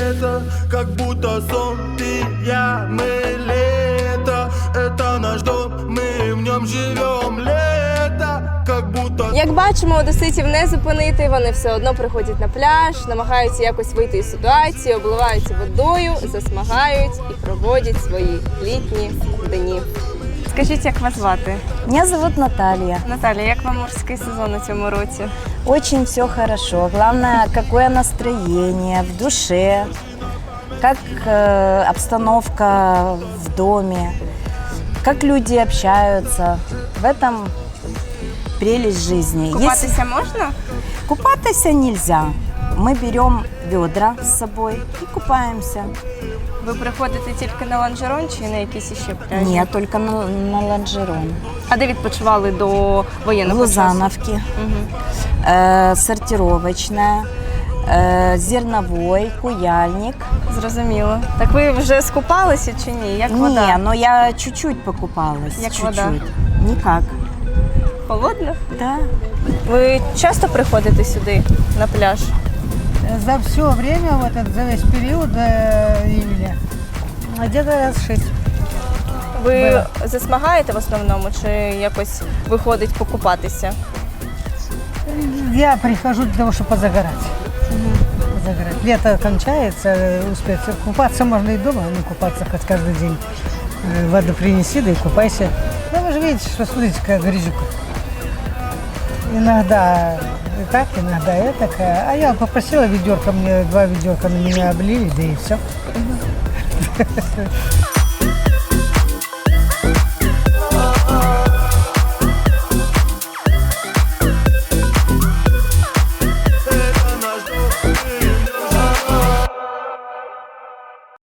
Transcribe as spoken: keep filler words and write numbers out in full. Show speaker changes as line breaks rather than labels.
лето, как будто сон, ты, я, мы лето. Это наш дом, мы в нем живем. Лето, как будто...
Як бачимо, одеситів не зупинити, вони все одно приходять на пляж, намагаються якось вийти із ситуації, обливаються водою, засмагають і проводять свої літні дні. Скажіть, як вас звати?
Меня зовут Наталья.
Наталя, як вам морський сезон у цьому році?
Очень все хорошо. Главное, какое настроение в душе, как э, обстановка в доме, как люди общаются. В этом прелесть жизни.
Купатися можна?
Купаться нельзя. Мы берем ведра с собой и купаемся.
Ви приходите тільки на лонжерон чи на якісь іще пляжі?
Нет, только на, на лонжерон.
А де відпочивали до
В
воєнного часу?
Лузановке,
Угу.
э, сортировочная, э, зерновой, куяльник.
Зрозуміло. Так ви вже скупалися чи ні? Як вода?
Не, но я чуть-чуть покупалась.
Як
чуть-чуть.
вода?
Никак.
Холодно?
Да.
Ви часто приходите сюди на пляж?
За все время, вот этот, за весь период до июля, где-то раз шесть.
Ви засмагаєте в основному чи якось виходить покупатися?
Я прихожу для того, чтобы позагорать. Позагорать. Лето кончается, успеть купаться можно и дома, но купаться хоть каждый день. Э, Воду принеси, да и купайся. Ну вы же видите, что смотрите, как грязюка. Иногда и так, иногда и так. А я попросила ведерко, мне два ведерка на меня облили, да и все.